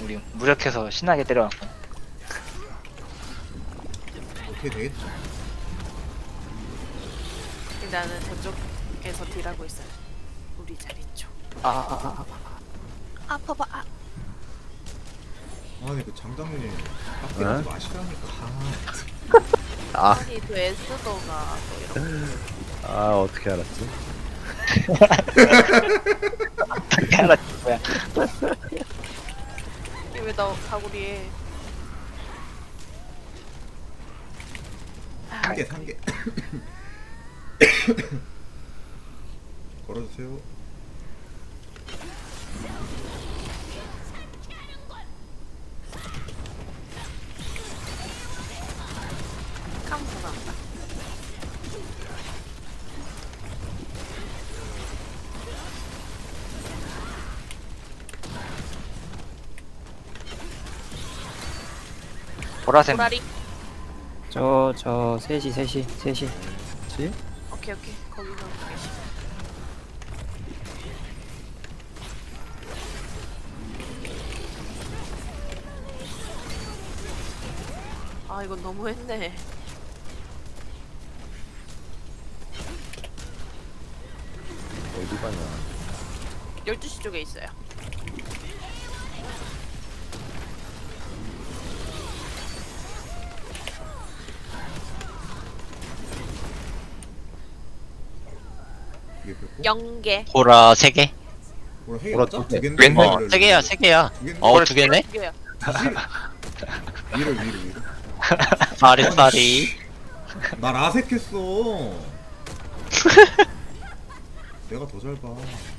우리 무력해서 신나게 때려왔고. 어떻게 되겠죠? 나는 저쪽에서 딜하고 있어요. 우리 자리 쪽. 아파봐. 아 근데 그 장장님 빡대지 마시라니까. 아니 그 에스더가 또 이런 아 어떻게 알았지? 어떻게 알았지 뭐야. 왜나 사거리에 한 개. 걸어주세요. 카운터 나온다. 보라색 보라리. 저 셋이 뭐지? 오케이 거기서 계시. 아 이건 너무했네. 어디 가냐? 12시 쪽에 있어요. 이게 몇 개? 0개. 보라 3개? 뭐라 해? 보라 맞아? 두 개. 두 개인데? 왼- 어, 3개야, 3개야. 어, 2개네? 2개야. 위로. 파리파리. 나 라섹했어. 내가 더 잘 봐.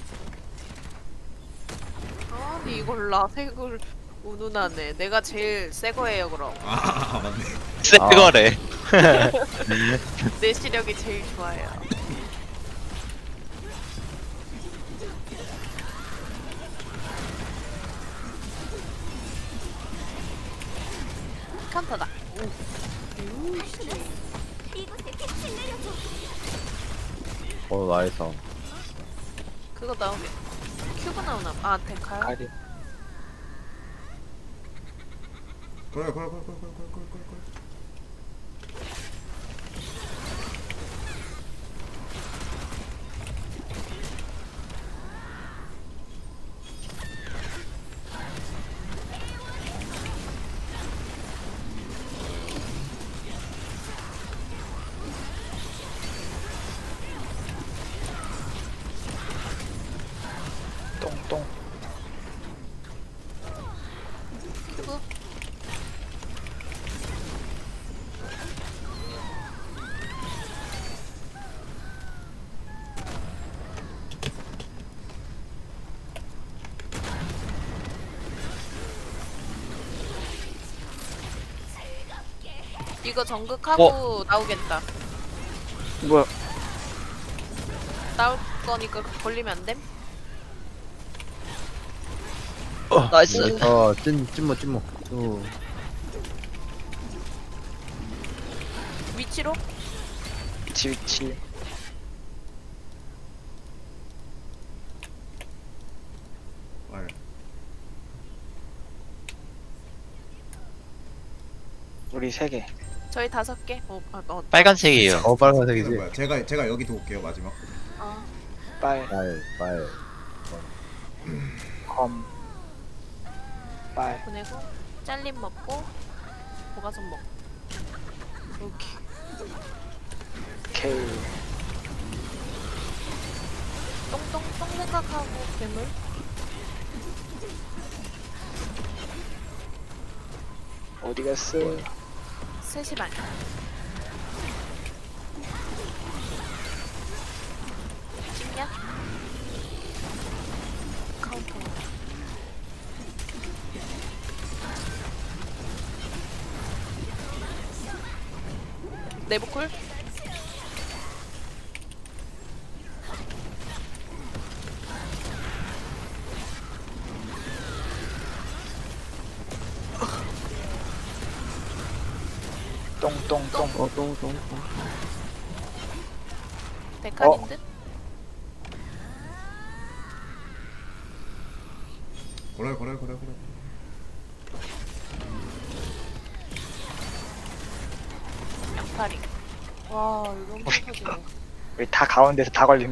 아니 이걸 라색을 운운하네. 내가 제일 새 거예요 그럼. 맞네. 새 거래. 내 시력이 제일 좋아요. 칸타다. 나이스. 그거 나오면 큐브 나오나? 아 데카요? 가리. 그래. 똥똥. 큐브. 이거 정극하고 나오겠다. 뭐야? 나올 거니까 걸리면 안 됨? 나이스. 찐모. 위치로? 위치. 알. 우리 3개. 저희 5개? 빨간색이에요. 빨간색이지. 뭐야? 제가 여기 도울게요 마지막. 빨. 빨. 검. 빨. 보내고 잘림 먹고 보가선 먹고. 오케이. K. 똥 생각하고 괴물. 어디 갔어? 3시 반. 찍냐? 카운터. 내부쿨? 똥똥똥. 데카님 듯? 그래. 와 이거 엄청 터지네. 우리 다 가운데서 다 걸리네.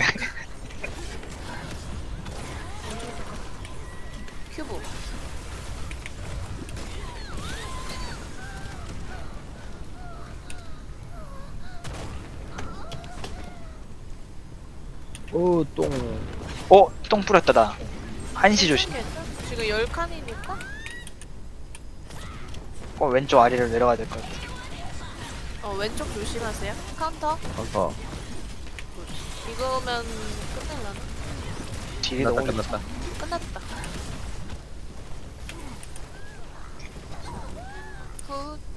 큐브. 오, 똥. 똥 뿌렸다 나. 한시 조심. 괜찮? 지금 10칸이니까? 왼쪽 아래로 내려가야 될 것 같아. 왼쪽 조심하세요. 카운터. 아까. 이거면 끝낼라나? 딜이 끝났다, 너무 끝났다. 끝났다. 굿.